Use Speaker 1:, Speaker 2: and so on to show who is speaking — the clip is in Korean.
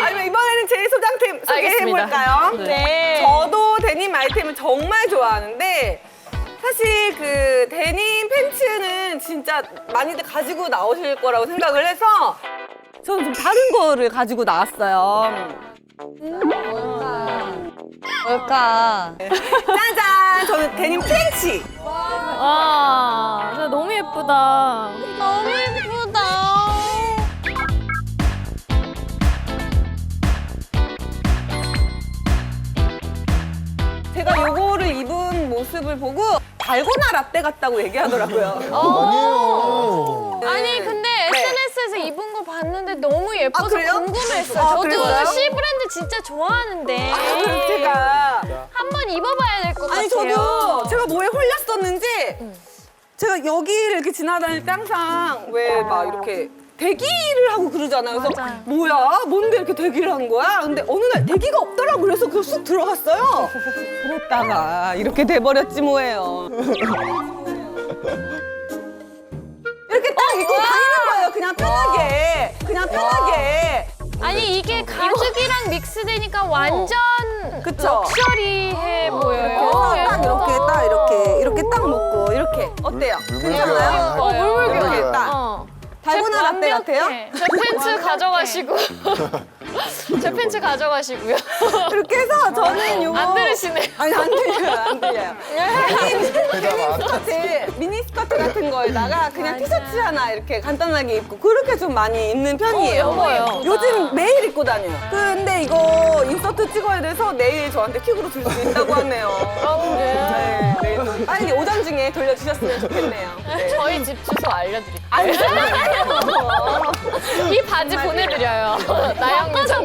Speaker 1: 아니면 이번에는 제 소장템 소개해볼까요?
Speaker 2: 네.
Speaker 1: 저도 데님 아이템을 정말 좋아하는데 사실 그 데님 팬츠는 진짜 많이들 가지고 나오실 거라고 생각을 해서 저는 좀 다른 거를 가지고 나왔어요.
Speaker 3: 뭘까?
Speaker 1: 짜잔! 저는 데님 트렌치!
Speaker 2: 와, 진짜 너무 예쁘다.
Speaker 3: 너무 예쁘다.
Speaker 1: 제가 요거를 입은 모습을 보고 달고나 라떼 같다고 얘기하더라고요.
Speaker 4: 아니에요.
Speaker 2: 아니 근데 SNS에서 입은 거 봤는데 너무 예뻐서
Speaker 1: 그래요?
Speaker 2: 궁금했어요.
Speaker 1: 아,
Speaker 2: 저도
Speaker 1: 그래요?
Speaker 2: C 브랜드 진짜 좋아하는데
Speaker 1: 그래서 제가
Speaker 2: 한번 입어봐야 될 것 같아요.
Speaker 1: 아니 저도 제가 뭐에 홀렸었는지 제가 여기를 이렇게 지나다닐 때 항상 왜 막 이렇게 대기를 하고 그러잖아요. 그래서
Speaker 2: 맞아요.
Speaker 1: 뭐야? 뭔데 이렇게 대기를 한 거야? 근데 어느 날 대기가 없더라고. 그래서 그쑥 들어갔어요. 그랬다가 이렇게 돼버렸지 뭐예요. 이렇게 딱 입고 다니는 거예요. 그냥 편하게. 그냥 편하게.
Speaker 2: 아니 이게 가죽이랑 믹스되니까 완전
Speaker 1: 그쵸?
Speaker 2: 럭셔리해 보여요.
Speaker 1: 그래서 딱 이렇게 딱 이렇게 딱 먹고 이렇게 어때요? 괜찮아요?
Speaker 2: 물물교.
Speaker 1: 이렇게 딱
Speaker 2: 어.
Speaker 1: 달고나 라떼 같아요?
Speaker 2: 제 팬츠 가져가시고 제 팬츠 가져가시고요.
Speaker 1: 이렇게 해서 저는 요거
Speaker 2: 안 들으시네요.
Speaker 1: 아니 안 들려요, 안 들려요.
Speaker 4: 대답 안
Speaker 1: 스커트, 미니 스커트 같은 거에다가 그냥 티셔츠 하나 이렇게 간단하게 입고 그렇게 좀 많이 입는 편이에요.
Speaker 2: 예뻐요.
Speaker 1: 요즘 매일 입고 다녀요. 근데 이거 인서트 찍어야 돼서 내일 저한테 퀵으로 줄 수 있다고 하네요. 네, 내일 좀 빨리 오전 중에 돌려주셨으면 좋겠네요. 네.
Speaker 2: 저희 집 주소 알려드릴게요.
Speaker 1: 안 돼요.
Speaker 2: 이 바지 보내드려요. 나영미 전.